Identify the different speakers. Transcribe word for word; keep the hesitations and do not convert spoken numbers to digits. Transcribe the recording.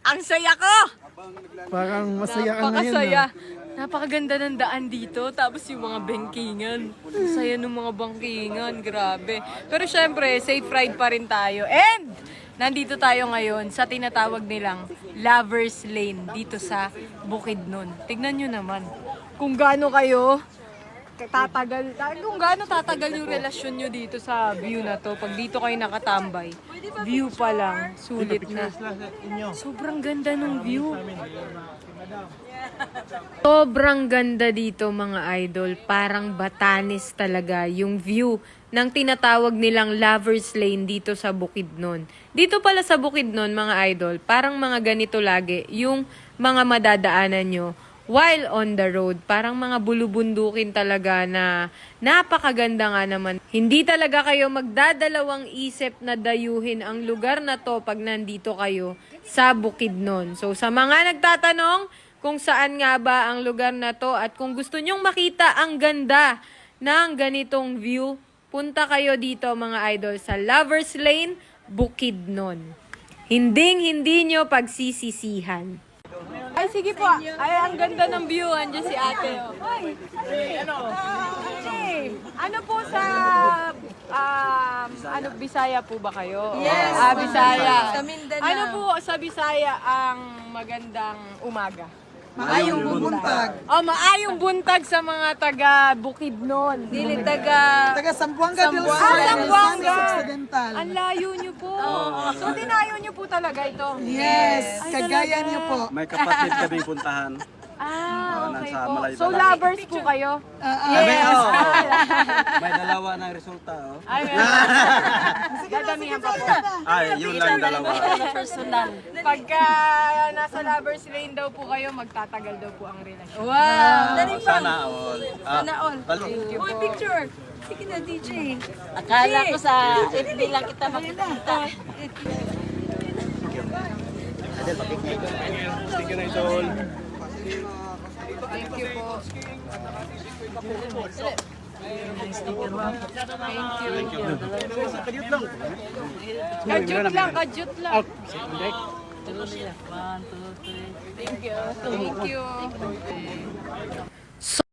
Speaker 1: Ang saya ko!
Speaker 2: Parang masaya ka ngayon.
Speaker 1: Napakasaya.
Speaker 2: ah.
Speaker 1: Napakaganda ng daan dito. Tapos yung mga bangkingan. Ang saya ng mga bangkingan. Grabe. Pero syempre, safe ride pa rin tayo. And, nandito tayo ngayon sa tinatawag nilang Lovers Lane dito sa Bukidnon. Tignan nyo naman kung gaano kayo tatagal, kung gaano tatagal yung relasyon nyo dito sa view na to. Pag dito kayo nakatambay, view pa lang, sulit na. Sobrang ganda ng view. Sobrang ganda dito mga idol. Parang Batanes talaga yung view ng tinatawag nilang Lovers Lane dito sa Bukidnon. Dito pala sa Bukidnon mga idol, parang mga ganito lagi yung mga madadaanan nyo while on the road. Parang mga bulubundukin talaga na napakaganda nga naman. Hindi talaga kayo magdadalawang isip na dayuhin ang lugar na to pag nandito kayo sa Bukidnon. So sa mga nagtatanong kung saan nga ba ang lugar na to at kung gusto nyong makita ang ganda ng ganitong view, punta kayo dito mga idol sa Lovers Lane, Bukidnon. Hinding-hindi nyo pagsisisihan. Ay, sige po. Ay, ang ganda ng view. Andiyan si ate. Oh. Ay, ano? Hey, ano po sa, um, ano, Bisaya po ba kayo?
Speaker 3: Yes.
Speaker 1: Ah, Bisaya.
Speaker 3: Sa Mindanao.
Speaker 1: Ano po sa Bisaya ang magandang umaga?
Speaker 3: Maayong buntag.
Speaker 1: Oh, maayong buntag sa mga taga Bukidnon.
Speaker 3: Dili taga
Speaker 2: Taga Sambuanga del Sur.
Speaker 1: Ah, Zamboanga.
Speaker 2: Misamis Occidental.
Speaker 1: Ang layo nyo po. So, dinayo nyo po talaga ito?
Speaker 2: Yes,
Speaker 1: Ay,
Speaker 2: kagaya
Speaker 1: talaga?
Speaker 2: niyo po.
Speaker 4: May kapatid kaming puntahan.
Speaker 1: Ah, okay
Speaker 4: nasa
Speaker 1: po.
Speaker 4: Malayo
Speaker 1: So,
Speaker 4: Balay.
Speaker 1: lovers po kayo?
Speaker 4: Kami, oh, may dalawa ng resulta, oh.
Speaker 1: Ay, dadamihan pa po.
Speaker 4: Ay, yun lang dalawa.
Speaker 1: Personal. Pagka nasa lovers lane daw po kayo, magtatagal daw po ang relasyon.
Speaker 3: Wow.
Speaker 4: Oh, sana all. Ah,
Speaker 3: Sana all.
Speaker 4: bal-
Speaker 3: Uy, picture. Sige na, D J.
Speaker 5: Akala ko sa F B lang kita makikita.
Speaker 1: Thank you po. Thank you. Kadyut lang, kadyut lang. Thank you. Thank you.